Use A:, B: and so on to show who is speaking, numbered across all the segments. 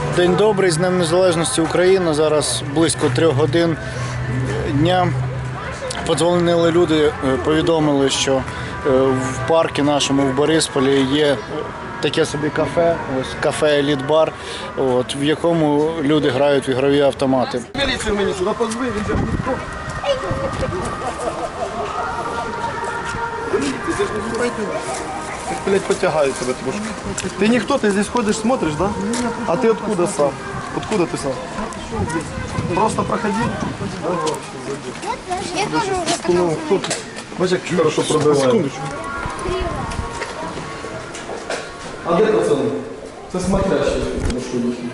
A: День добрий, з Днем Незалежності України. Зараз близько 3 годин дня. Подзвонили люди, повідомили, що в парку нашому в Борисполі є таке собі кафе, ось кафе «Еліт-бар», в якому люди грають в ігрові автомати.
B: Міліцію мені сюди позви, він же ніхто. Ти ж не пойду. Як, блядь, потягаю тебе трошки. Ти ніхто, ти здесь ходиш, смотриш, да? А ти откуда сам? Откуда ти сам? Просто проходи.
C: Я тоже уже катался.
B: Бачиш, як хорошо пробиває. Секундочку. А де пацани? Це смотрящий, тому що їхні.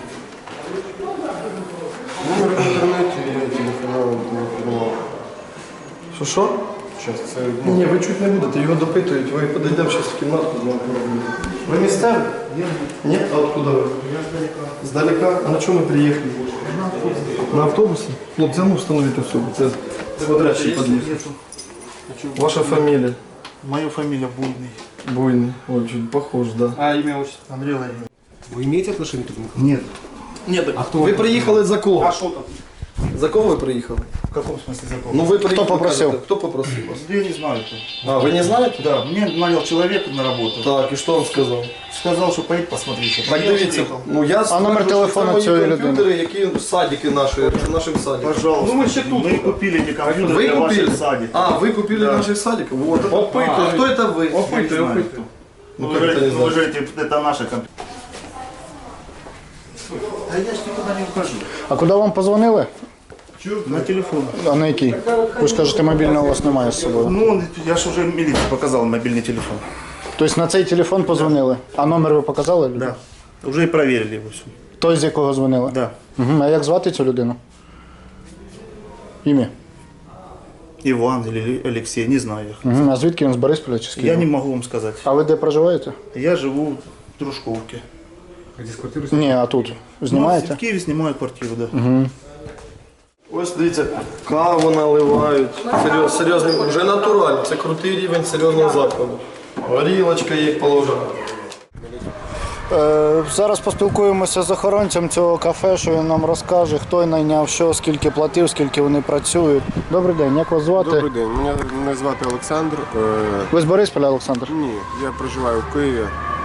D: Номер в інтернеті, я телефонував, не придумав.
B: Що?
D: Зараз це...
B: Ні, ви чуть не будете, його допитують, ви подійдемо зараз в кімнатку. Ви місцеві? Ні. А откуда ви?
D: Я здалека.
B: Здалека? А на чому ви приїхали? На автобусі? Хлопці, ну встановіть особу. Це смотрящий під'їзд. Ваша фамілія?
A: Моя фамілія Буйний.
B: Буйний. Ой, чуть похож, да.
A: А ім'я отчество? Андрій Владимирович.
D: Ви маєте отношение к этому?
A: Ні.
B: Ні, а хто? Ви приїхали за кого?
A: А що там?
B: За кого ви приїхали?
A: В якому смысле закон?
B: Ну ви приїхали.
A: попросив?
B: кажете, Хто попросив вас?
A: Я не знаю.
B: А, ви не знаєте?
A: Да, мне нанял человек на работу.
B: Так, і що він сказав?
A: Сказал, что поедет посмотрите.
B: Так дивіться, ну я
A: А номер телефону цієї людини?
B: комп'ютери, які садики нашим садиком.
A: Пожалуйста.
B: Ну мы ще тут.
A: Мы купили эти компьютеры
B: Вы
A: для
B: купили?
A: ваших садиков.
B: А, вы купили наших садиков? Вот. А кто это вы?
A: Я не знаю.
B: Ну,
A: Вы
B: как это не
A: говорите,
B: знаю?
A: вы говорите, это наши компьютеры. А я ж никуда не ухожу.
E: А куди вам позвонили?
A: На телефон.
E: А на який? Ви ж кажете, мобільного у вас немає з собою.
A: Ну, я ж уже милиции показал мобильный телефон.
E: Тобто на цей телефон позвонили. А номер ви показали?
A: Да. Уже и проверили его все.
E: Той, з якого дзвонили?
A: Да.
E: Угу. А як звати цю людину? Ім'я?
A: Иван или Алексей, не знаю.
E: Угу. А звідки він, з Борисполя чи з Києва?
A: Я не могу вам сказать.
E: А ви де проживаєте?
A: Я живу в Дружковке.
D: А здесь квартиру
E: Ні, а тут.
A: Ну,
E: Знімаєте?
A: в Киеве снимаю квартиру, да.
B: Ось дивіться, каву наливають. Серйозний, вже натурально. Це крутий рівень серйозного закладу. Горілочка є положена.
E: Зараз поспілкуємося з охоронцем цього кафе, що він нам розкаже, хто найняв що, скільки платив, скільки вони працюють. Добрий день, як вас звати?
D: Добрий день, мене звати Олександр.
E: Ви з Борисполя, Олександр?
D: Ні, я проживаю в Києві.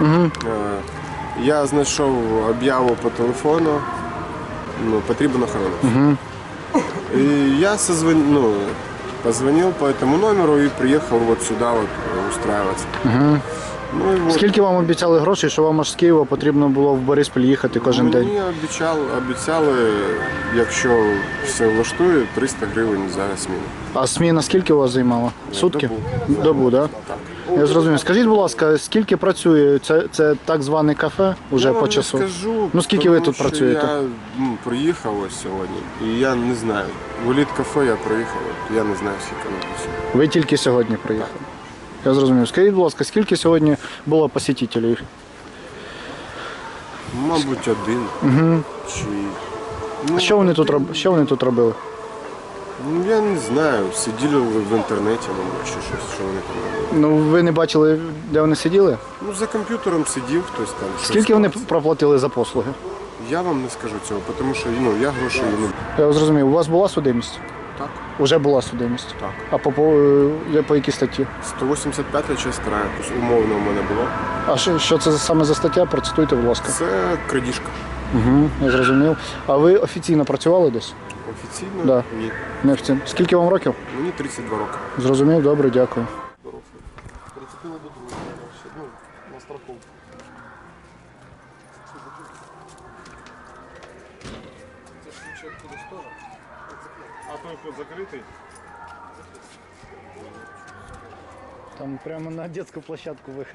D: Я знайшов об'яву по телефону, потрібен охоронець. І я позвонил по этому номеру и приехал вот сюда вот устраиваться. Ну, і от.
E: Скільки вам обіцяли грошей, що вам аж з Києва потрібно було в Бориспіль їхати кожен день?
D: Мені обіцяли, якщо все влаштує, 300 гривень за зміну.
E: А зміна скільки у вас займала? Сутки? Добу, так?
D: Так.
E: Я зрозумів. Скажіть, будь ласка, скільки працює це так зване кафе уже
D: Я
E: по
D: вам
E: часу?
D: не скажу,
E: Ну скільки ви
D: тому
E: тут
D: що
E: працюєте?
D: Я приїхав ось сьогодні, і я не знаю. В еліт-кафе я приїхав, я не знаю, скільки ми працюємо.
E: Ви тільки сьогодні приїхали? Я зрозумів. Скажіть, будь ласка, скільки сьогодні було посетителів?
D: Мабуть, один. Чи... Ну,
E: Що вони тут робили?
D: Ну, я не знаю, сиділи в інтернеті, мабуть, чи щось, що вони там робили.
E: Ну ви не бачили, де вони сиділи?
D: Ну, за комп'ютером сидів хтось там. щось
E: Скільки вони
D: клацав.
E: проплатили за послуги?
D: Я вам не скажу цього, тому що я грошей не...
E: Я зрозумів. У вас була судимість?
D: Так,
E: Уже була судимість.
D: так.
E: А по якій статті?
D: 185 частина, якось умовно у мене було.
E: А що це саме за стаття? Процитуйте, будь ласка.
D: Це крадіжка.
E: Угу, я зрозумів. А ви офіційно працювали десь?
D: Офіційно?
E: Да.
D: Ні.
E: Не офіційно. Скільки вам років?
D: Мені 32 роки.
E: Зрозумів, добре, дякую.
B: Прицепили до другого, на страховку.
D: А той вход закритий?
E: Там прямо на детскую площадку выход.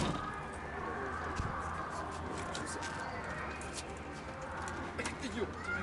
B: Идем.